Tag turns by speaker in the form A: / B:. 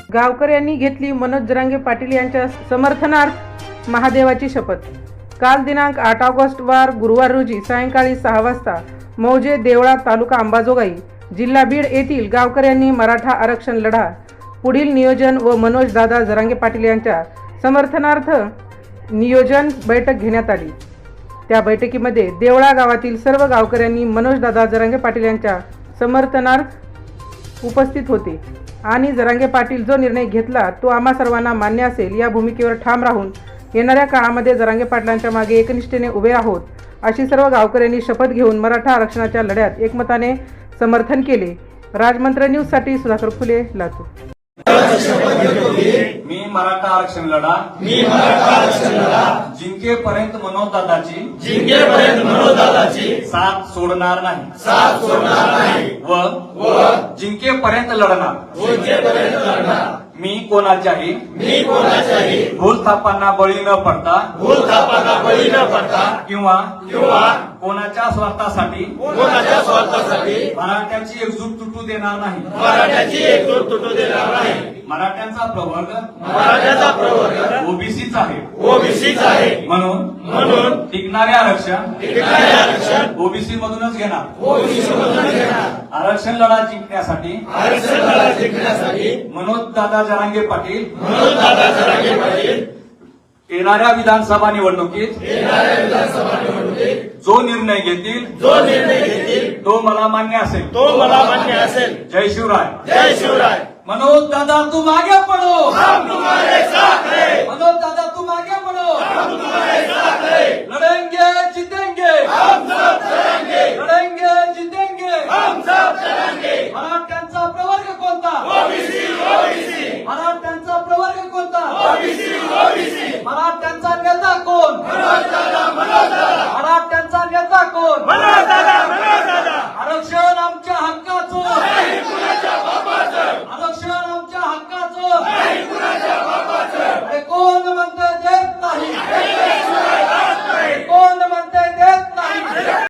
A: गावकऱ्यांनी घेतली मनोज जरांगे पाटील यांच्या समर्थनार्थ महादेवाची शपथ। काल दिनांक 8 ऑगस्ट वार गुरुवार रोजी सायंकाळी 6 वाजता मौजे देवळा तालुका अंबाजोगाई जिल्हा बीड येथील गावकऱ्यांनी मराठा आरक्षण लढा पुढील नियोजन व मनोज दादा जरांगे पाटील यांच्या समर्थनार्थ नियोजन बैठक घेण्यात आली। त्या बैठकीमध्ये देवळा गावातील सर्व गावकऱ्यांनी मनोज दादा जरांगे पाटील यांच्या समर्थनार्थ उपस्थित होते आणि जरांगे पाटील जो निर्णय घेतला तो आम्हा सर्वांना मान्य असेल या भूमिकेवर ठाम राहून येणाऱ्या काळामध्ये जरांगे पाटलांच्या मागे एकनिष्ठेने उभे आहोत अशी सर्व गावकऱ्यांनी शपथ घेऊन मराठा आरक्षणाच्या लढ्यात एकमताने समर्थन केले। राजमंत्र न्यूज साठी सुधाकर फुले, लातूर।
B: मी मराठा आरक्षण लढा जिंकेपर्यंत मनोज दादाची साथ सोडणार नाही व जिंकेपर्यंत लढणार। मी कोणाच्याही भूलथापांना बळी न पडता किंवा कोणाच्या स्वार्थासाठी मराठ्याची एकजूट तुटू देणार नाही। मराठ्यांचा प्रवर्ग ओबीसीच आहे म्हणून टिकणारे आरक्षण ओबीसी मधूनच घेणार। आरक्षण लढा जिंकण्यासाठी मनोज दादा जरांगे पाटील येणाऱ्या विधानसभा निवडणुकीत जो निर्णय घेतील तो मला मान्य असेल। जय शिवराय। मनोज दादा तुम आगे बढ़ो, हम तुम्हारे साथ हैं। मनोज दादा तुम आगे बढ़ो, हम तुम्हारे साथ हैं। लड़ेंगे जीतेंगे, हम सब लड़ेंगे। लड़ेंगे जीतेंगे, हम सब लड़ेंगे। मराठ्यांचा प्रवर्ग कोणता? ओबीसी। मराठ्यांचा प्रवर्ग कोणता? ओबीसी। मराठ्यांचा नेता कोण? मनोज दादा। मराठ्यांचा नेता कोण? मनोज दादा। आरक्षण आमच्या हक्काचं, नाही कुणाच्या बापाचं। आरक्षण आमच्या हक्काचं, नाही कुणाच्या बापाचं। अरे कोण म्हणतं